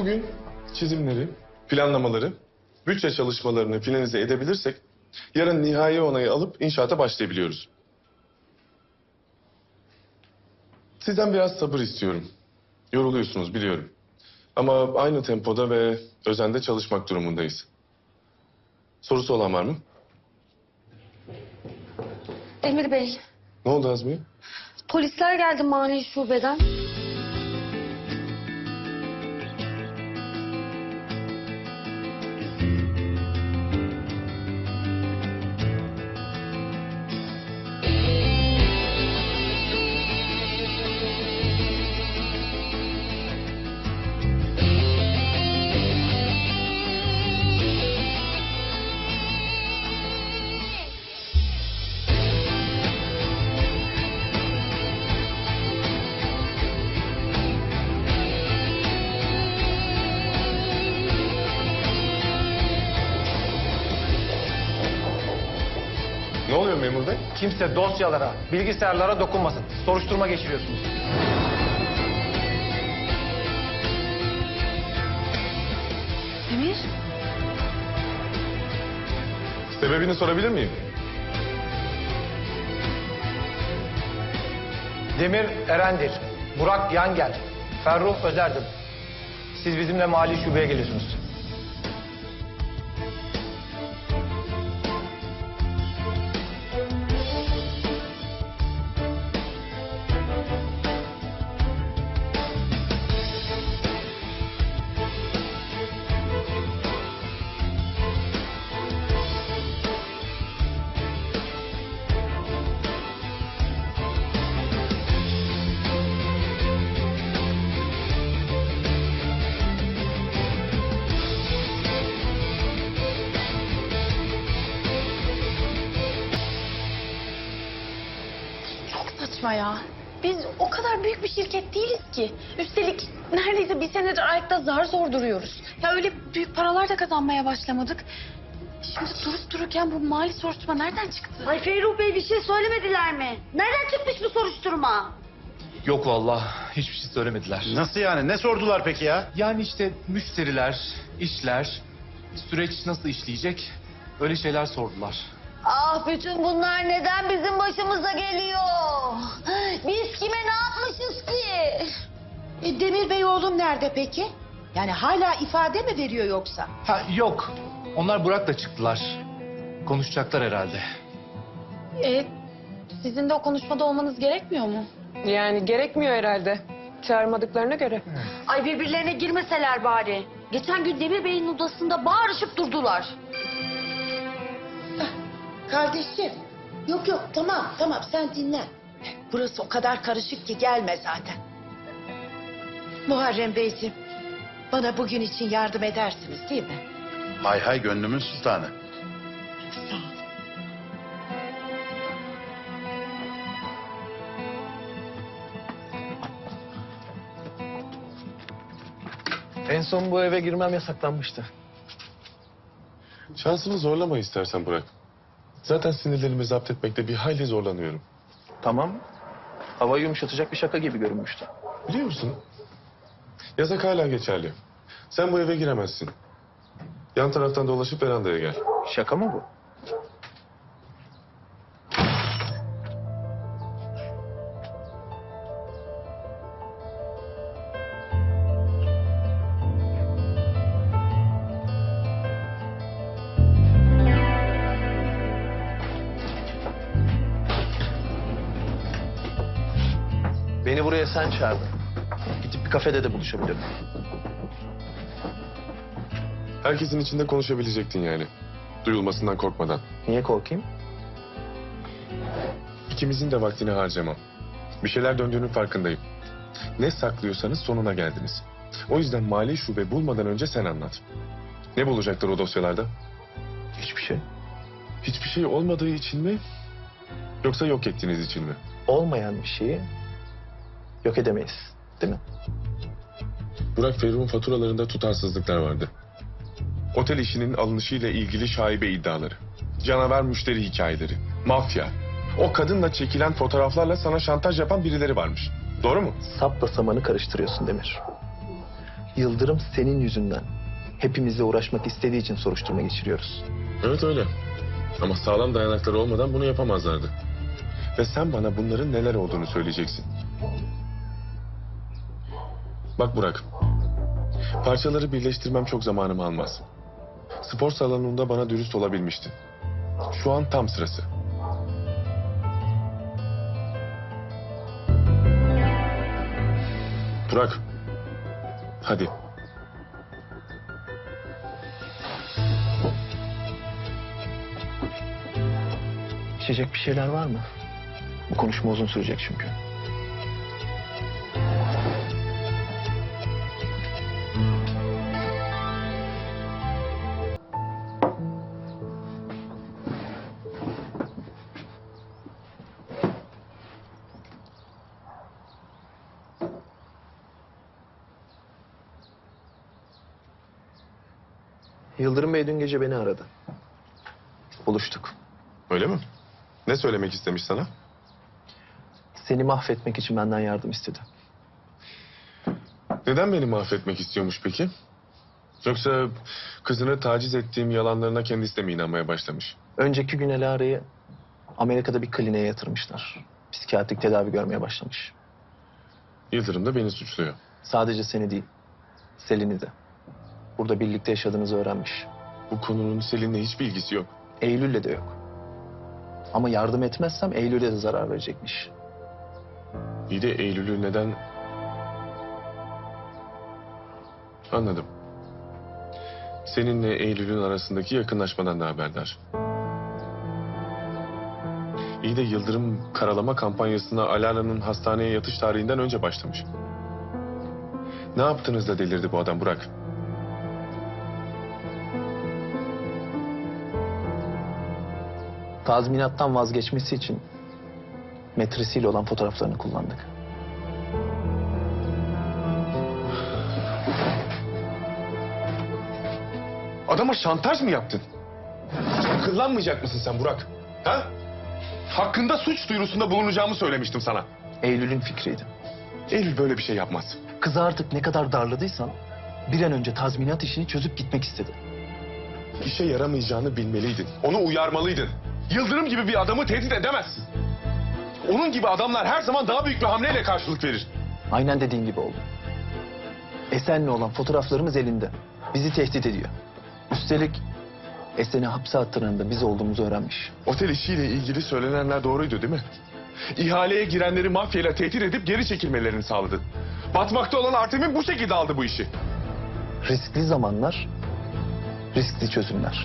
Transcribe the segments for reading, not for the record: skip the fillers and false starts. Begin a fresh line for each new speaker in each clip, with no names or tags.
Bugün çizimleri, planlamaları, bütçe çalışmalarını finalize edebilirsek yarın nihai onayı alıp inşaata başlayabiliyoruz. Sizden biraz sabır istiyorum. Yoruluyorsunuz biliyorum. Ama aynı tempoda ve özende çalışmak durumundayız. Sorusu olan var mı?
Demir Bey,
Ne oldu Azmiye?
polisler geldi mali şubeden.
Ne oluyor memur bey?
Kimse dosyalara, bilgisayarlara dokunmasın. Soruşturma geçiriyorsunuz.
Demir?
Sebebini sorabilir miyim?
Demir Erendir, Burak Yangel, Ferruh Özerdin. Siz bizimle mali şubeye geliyorsunuz.
Çok saçma ya. Biz o kadar büyük bir şirket değiliz ki. Üstelik neredeyse bir senedir ayakta zar zor duruyoruz. Ya öyle büyük paralar da kazanmaya başlamadık. Şimdi durup dururken bu mali soruşturma nereden çıktı?
Ay Ferruh Bey bir şey söylemediler mi? Nereden çıkmış bu soruşturma?
Yok vallahi hiçbir şey söylemediler.
Nasıl yani? Ne sordular peki ya?
Yani işte müşteriler, işler, süreç nasıl işleyecek öyle şeyler sordular.
Ah bütün bunlar neden bizim başımıza geliyor? Biz kime ne yapmışız ki?
Demir Bey oğlum nerede peki? Yani hala ifade mi veriyor yoksa?
Ha yok. Onlar Burak'la çıktılar. Konuşacaklar herhalde.
Sizin de o konuşmada olmanız gerekmiyor mu?
Yani gerekmiyor herhalde. Çağırmadıklarına göre.
Ay birbirlerine girmeseler bari. Geçen gün Demir Bey'in odasında bağırışıp durdular.
Kardeşim. Yok yok tamam sen dinlen. Burası o kadar karışık ki gelme zaten. Muharrem Beyciğim bana bugün için yardım edersiniz değil mi?
Hay hay gönlümün sultanı.
Sağ ol.
En son bu eve girmem yasaklanmıştı.
Şansını zorlama istersen Burak. Zaten sinirlerimi zapt etmekte bir hayli zorlanıyorum.
Tamam. Hava yumuşatacak bir şaka gibi görünmüştü.
Biliyor musun? Yasak hala geçerli. Sen bu eve giremezsin. Yan taraftan dolaşıp verandaya gel.
Şaka mı bu? Beni buraya sen çağırdın. Gidip bir kafede de buluşabilirim.
Herkesin içinde konuşabilecektin yani. Duyulmasından korkmadan.
Niye korkayım?
İkimizin de vaktini harcamam. Bir şeyler döndüğünün farkındayım. Ne saklıyorsanız sonuna geldiniz. O yüzden mali şube bulmadan önce sen anlat. Ne bulacaklar o dosyalarda?
Hiçbir şey.
Hiçbir şey olmadığı için mi? Yoksa yok ettiğiniz için mi?
Olmayan bir şeyi yok edemeyiz. Değil mi?
Burak Ferruh'un faturalarında tutarsızlıklar vardı. Otel işinin alınışıyla ilgili şaibe iddiaları. Canavar müşteri hikayeleri. Mafya. O kadınla çekilen fotoğraflarla sana şantaj yapan birileri varmış. Doğru mu?
Sapla samanı karıştırıyorsun Demir.
Yıldırım senin yüzünden hepimizle uğraşmak istediği için soruşturma geçiriyoruz.
Evet öyle. Ama sağlam dayanakları olmadan bunu yapamazlardı. Ve sen bana bunların neler olduğunu söyleyeceksin. Bak Burak. Parçaları birleştirmem çok zamanımı almaz. Spor salonunda bana dürüst olabilmiştin. Şu an tam sırası. Burak. Hadi.
İçecek bir şeyler var mı? Bu konuşma uzun sürecek çünkü. Yıldırım Bey dün gece beni aradı. Buluştuk.
Öyle mi? Ne söylemek istemiş sana?
Seni mahvetmek için benden yardım istedi.
Neden beni mahvetmek istiyormuş peki? Yoksa kızını taciz ettiğim yalanlarına kendisi de mi inanmaya başlamış?
Önceki gün Elara'yı Amerika'da bir kliniğe yatırmışlar. Psikiyatrik tedavi görmeye başlamış.
Yıldırım da beni suçluyor.
Sadece seni değil, Selin'i de. Burada birlikte yaşadığınızı öğrenmiş.
Bu konunun Selin'le hiçbir ilgisi yok.
Eylül'le de yok. Ama yardım etmezsem Eylül'e de zarar verecekmiş.
İyi de Eylül'ü neden... Anladım. Seninle Eylül'ün arasındaki yakınlaşmadan da haberdar. İyi de Yıldırım karalama kampanyasına Alana'nın hastaneye yatış tarihinden önce başlamış. Ne yaptınız da delirdi bu adam Burak?
Tazminattan vazgeçmesi için metresiyle olan fotoğraflarını kullandık.
Adama şantaj mı yaptın? Akıllanmayacak mısın sen Burak? Ha? Hakkında suç duyurusunda bulunacağımı söylemiştim sana.
Eylül'ün fikriydi.
Eylül böyle bir şey yapmaz.
Kızı artık ne kadar darladıysan bir an önce tazminat işini çözüp gitmek istedi.
İşe yaramayacağını bilmeliydin. Onu uyarmalıydın. Yıldırım gibi bir adamı tehdit edemezsin. Onun gibi adamlar her zaman daha büyük bir hamleyle karşılık verir.
Aynen dediğin gibi oldu. Esen'le olan fotoğraflarımız elinde. Bizi tehdit ediyor. Üstelik Esen'i hapse attıran da biz olduğumuzu öğrenmiş.
Otel işiyle ilgili söylenenler doğruydu değil mi? İhaleye girenleri mafyayla tehdit edip geri çekilmelerini sağladın. Batmakta olan Artem'in bu şekilde aldı bu işi.
Riskli zamanlar, riskli çözümler.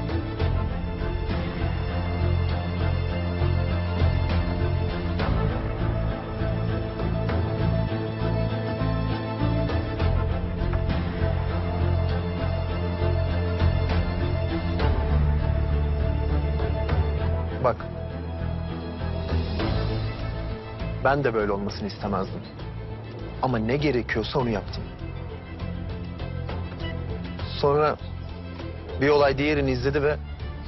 Bak. Ben de böyle olmasını istemezdim. Ama ne gerekiyorsa onu yaptım. Sonra bir olay diğerini izledi ve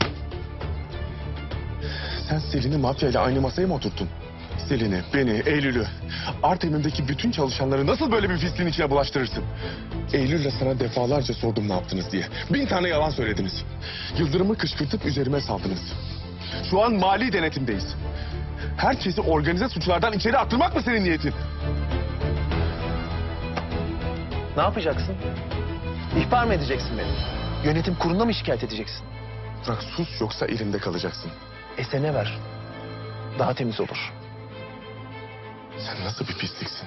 Sen Selin'i mafyayla aynı masaya mı oturttun? Selin'i, beni, Eylül'ü, Artemim'deki bütün çalışanları nasıl böyle bir pisliğin içine bulaştırırsın? Eylül'le sana defalarca sordum ne yaptınız diye. 1000 tane yalan söylediniz. Yıldırım'ı kışkırtıp üzerime saldınız. Şu an mali denetimdeyiz. Herkesi organize suçlardan içeri attırmak mı senin niyetin?
ne yapacaksın? İhbar mı edeceksin beni? Yönetim kuruluna mı şikayet edeceksin?
Bırak sus yoksa elimde kalacaksın.
Esen'e ver. Daha temiz olur.
Sen nasıl bir pisliksin?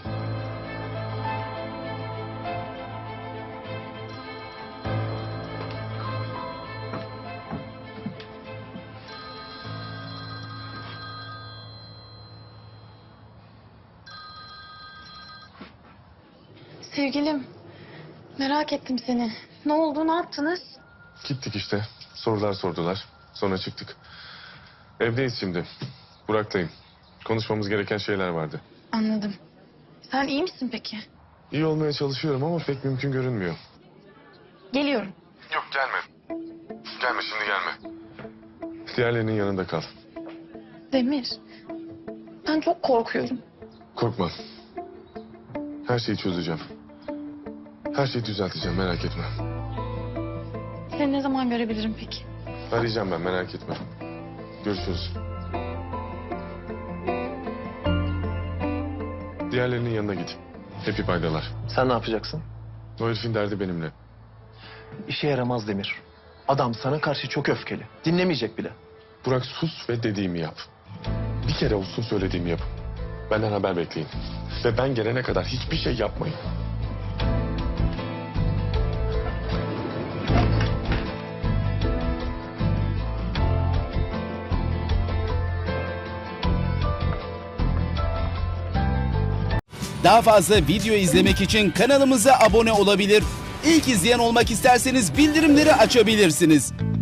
Sevgilim, merak ettim seni. Ne oldu, ne yaptınız?
Gittik işte. Sorular sordular. Sonra çıktık. Evdeyiz şimdi. Burak'tayım. Konuşmamız gereken şeyler vardı.
Anladım. Sen iyi misin peki?
İyi olmaya çalışıyorum ama pek mümkün görünmüyor.
Geliyorum.
Yok gelme. Gelme şimdi gelme. Diğerlerinin yanında kal.
Demir, ben çok korkuyorum.
Korkma. Her şeyi çözeceğim. Her şeyi düzelteceğim, merak etme.
Seni ne zaman görebilirim peki?
Arayacağım ben, merak etme. Görüşürüz. Diğerlerinin yanına git. Hepi paydalar.
Sen ne yapacaksın?
O herifin derdi benimle.
İşe yaramaz Demir. Adam sana karşı çok öfkeli. Dinlemeyecek bile.
Burak sus ve dediğimi yap. Bir kere olsun söylediğimi yap. Benden haber bekleyin. Ve ben gelene kadar hiçbir şey yapmayın.
Daha fazla video izlemek için kanalımıza abone olabilir. İlk izleyen olmak isterseniz bildirimleri açabilirsiniz.